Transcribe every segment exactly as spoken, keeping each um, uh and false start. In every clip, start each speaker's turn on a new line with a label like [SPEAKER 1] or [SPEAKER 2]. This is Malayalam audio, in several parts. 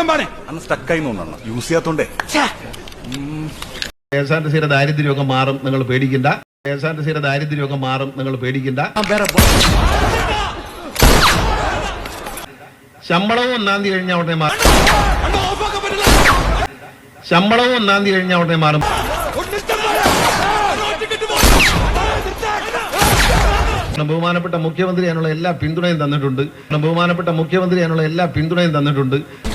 [SPEAKER 1] അന്ന് സ്റ്റക്കായി തോന്നണം യൂസ് ചെയ്യാത്തോണ്ടേ.
[SPEAKER 2] കെ എസ് ആർ ടി സിയുടെ ദാരിദ്ര്യമൊക്കെ മാറും, നിങ്ങൾ പേടിക്കണ്ട. കെ എസ് ആർ ടി സിയുടെ ദാരിദ്ര്യമൊക്കെ മാറും, നിങ്ങൾ പേടിക്കണ്ട. ശമ്പളവും ഒന്നാം തീയതി കഴിഞ്ഞ ഉടനെ മാറും. ശമ്പളവും ഒന്നാം തീയതി കഴിഞ്ഞ ഉടനെ മാറും. ബഹുമാനപ്പെട്ട മുഖ്യമന്ത്രി അതിനുള്ള എല്ലാ പിന്തുണയും തന്നിട്ടുണ്ട്. ബഹുമാനപ്പെട്ട മുഖ്യമന്ത്രി അതിനുള്ള എല്ലാ പിന്തുണയും തന്നിട്ടുണ്ട്.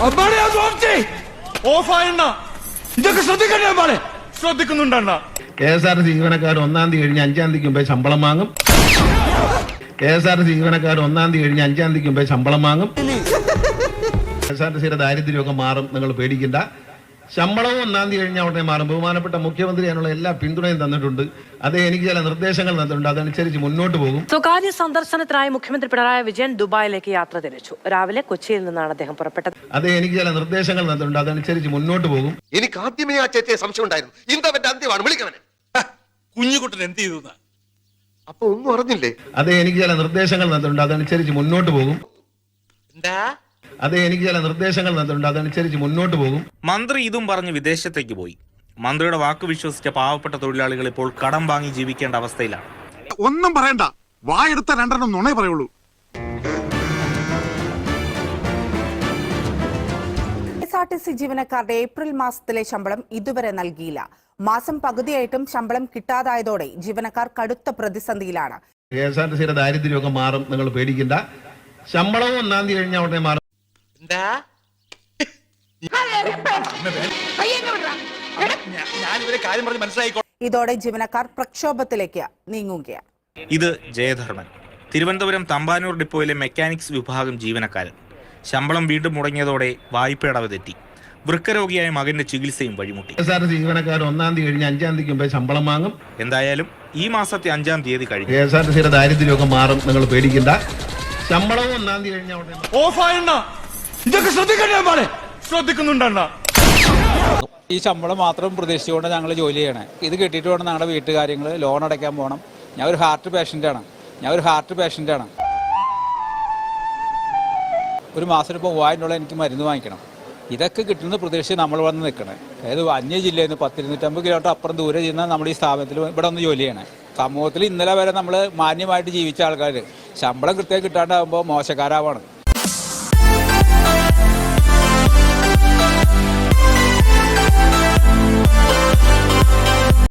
[SPEAKER 2] K S R T C ജീവനക്കാർ ഒന്നാം തീയതി കഴിഞ്ഞ് അഞ്ചാം തീയതിക്ക് മുമ്പേ ശമ്പളം വാങ്ങും. K S R T C ജീവനക്കാർ ഒന്നാം തീയതി കഴിഞ്ഞ് അഞ്ചാം തീയതിക്ക് മുമ്പേ ശമ്പളം വാങ്ങും. കെ എസ് ആർ ടി സിയുടെ ദാരിദ്ര്യമൊക്കെ മാറും, നിങ്ങൾ പേടിക്കണ്ട. ശമ്പളവും ഒന്നാം തീയതി കഴിഞ്ഞ ഉടനെ മാറും. ബഹുമാനപ്പെട്ട മുഖ്യമന്ത്രി അതിനുള്ള എല്ലാ പിന്തുണയും തന്നിട്ടുണ്ട്. അത് എനിക്ക് ചില നിർദ്ദേശങ്ങൾ തന്നിട്ടുണ്ട്, അതനുസരിച്ച് മുന്നോട്ട് പോകും.
[SPEAKER 3] സ്വകാര്യ സന്ദർശനത്തിനായി മുഖ്യമന്ത്രി പിണറായി വിജയൻ ദുബായിലേക്ക് യാത്ര തിരിച്ചു. രാവിലെ കൊച്ചിയിൽ നിന്നാണ് അദ്ദേഹം പുറപ്പെട്ടത്.
[SPEAKER 2] അത് എനിക്ക് ചില നിർദ്ദേശങ്ങൾ തന്നിട്ടുണ്ട്, അതനുസരിച്ച് മുന്നോട്ട് പോകും.
[SPEAKER 4] എനിക്ക് ആദ്യമേ ആ ചേച്ചിയെ സംശയം ഉണ്ടായിരുന്നു. ഇന്തവന്റെ അന്ത്യമാണ്, വിളിക്കവനെ.
[SPEAKER 1] കുഞ്ഞുകുട്ടൻ എന്ത് ചെയ്തു?
[SPEAKER 4] അപ്പൊ ഒന്നും അറിഞ്ഞില്ലേ?
[SPEAKER 2] അത് എനിക്ക് ചില നിർദ്ദേശങ്ങൾ തന്നിട്ടുണ്ട്, അതനുസരിച്ച് മുന്നോട്ട് പോകും. അത് എനിക്ക് ചില നിർദ്ദേശങ്ങൾ തന്നിട്ടുണ്ട്, അതനുസരിച്ച് മുന്നോട്ട് പോകും.
[SPEAKER 5] മന്ത്രി ഇതും പറഞ്ഞ് വിദേശത്തേക്ക് പോയി. മന്ത്രിയുടെ വാക്ക് വിശ്വസിച്ച പാവപ്പെട്ട തൊഴിലാളികൾ ഇപ്പോൾ കടം വാങ്ങി ജീവിക്കേണ്ട അവസ്ഥയിലാണ്.
[SPEAKER 6] ഒന്നും പറയണ്ട, വായെടുത്ത രണ്ടെണ്ണം നുണേ പറയുള്ളൂ.
[SPEAKER 7] K S R T C ജീവനക്കാരുടെ ഏപ്രിൽ മാസത്തിലെ ശമ്പളം ഇതുവരെ നൽകിയില്ല. മാസം പകുതിയായിട്ടും ശമ്പളം കിട്ടാതായതോടെ ജീവനക്കാർ കടുത്ത പ്രതിസന്ധിയിലാണ്.
[SPEAKER 2] കെ എസ് ആർ ടി സിയുടെ ദാരിദ്ര്യമൊക്കെ മാറും, നിങ്ങൾ പേടിക്കണ്ട. ശമ്പളവും ഒന്നാം തീയതി കഴിഞ്ഞ ഉടനെ മാറും.
[SPEAKER 7] ഇതോടെ ജീവനക്കാർ പ്രക്ഷോഭത്തിലേക്ക് നീങ്ങുകയാണ്.
[SPEAKER 5] ഇത് ജയധർമ്മൻ, തിരുവനന്തപുരം തമ്പാനൂർ ഡിപ്പോയിലെ മെക്കാനിക്സ് വിഭാഗം ജീവനക്കാരൻ. ശമ്പളം വീണ്ടും മുടങ്ങിയതോടെ വായ്പയടവ് തെറ്റി. വൃക്കരോഗിയായ മകന്റെ ചികിത്സയും വഴിമുട്ടി.
[SPEAKER 2] K S R T C ജീവനക്കാർ ഒന്നാം തീയതി കഴിഞ്ഞ് അഞ്ചാം തീയതിക്ക് മുമ്പേ ശമ്പളം വാങ്ങും.
[SPEAKER 5] എന്തായാലും ഈ മാസത്തെ അഞ്ചാം തീയതി കഴിഞ്ഞു.
[SPEAKER 2] കെ എസ് ആർ ടി സിയുടെ ദാരിദ്ര്യമൊക്കെ മാറും, നിങ്ങൾ പേടിക്കണ്ട. ശമ്പളവും ഒന്നാം തീയതി കഴിഞ്ഞ ഉടനെ
[SPEAKER 1] ശ്രദ്ധിക്കുന്നുണ്ടണ്ണ.
[SPEAKER 8] ഈ ശമ്പളം മാത്രം പ്രതീക്ഷിച്ചുകൊണ്ട് ഞങ്ങൾ ജോലി ചെയ്യണേ. ഇത് കിട്ടിയിട്ട് വേണം ഞങ്ങളുടെ വീട്ടുകാര്യങ്ങൾ, ലോൺ അടയ്ക്കാൻ പോകണം. ഞാൻ ഒരു ഹാർട്ട് പേഷ്യൻ്റാണ് ഞാൻ ഒരു ഹാർട്ട് പേഷ്യൻ്റാണ് ഒരു മാസം ഇപ്പോൾ മൂവായിരം എനിക്ക് മരുന്ന് വാങ്ങിക്കണം. ഇതൊക്കെ കിട്ടുന്ന പ്രതീക്ഷിച്ച് നമ്മൾ വന്ന് നിൽക്കണേ. അതായത് അന്യ ജില്ലയിൽ നിന്ന് പത്തിരുന്നൂറ്റമ്പത് കിലോമീറ്റർ അപ്പുറം ദൂരെ ചെയ്യുന്ന നമ്മുടെ ഈ സ്ഥാപനത്തിൽ ഇവിടെ ഒന്ന് ജോലി ചെയ്യണേ. സമൂഹത്തിൽ ഇന്നലെ വരെ നമ്മൾ മാന്യമായിട്ട് ജീവിച്ച ആൾക്കാർ ശമ്പളം കൃത്യമായി കിട്ടാണ്ടാകുമ്പോൾ മോശക്കാരാവാണ്.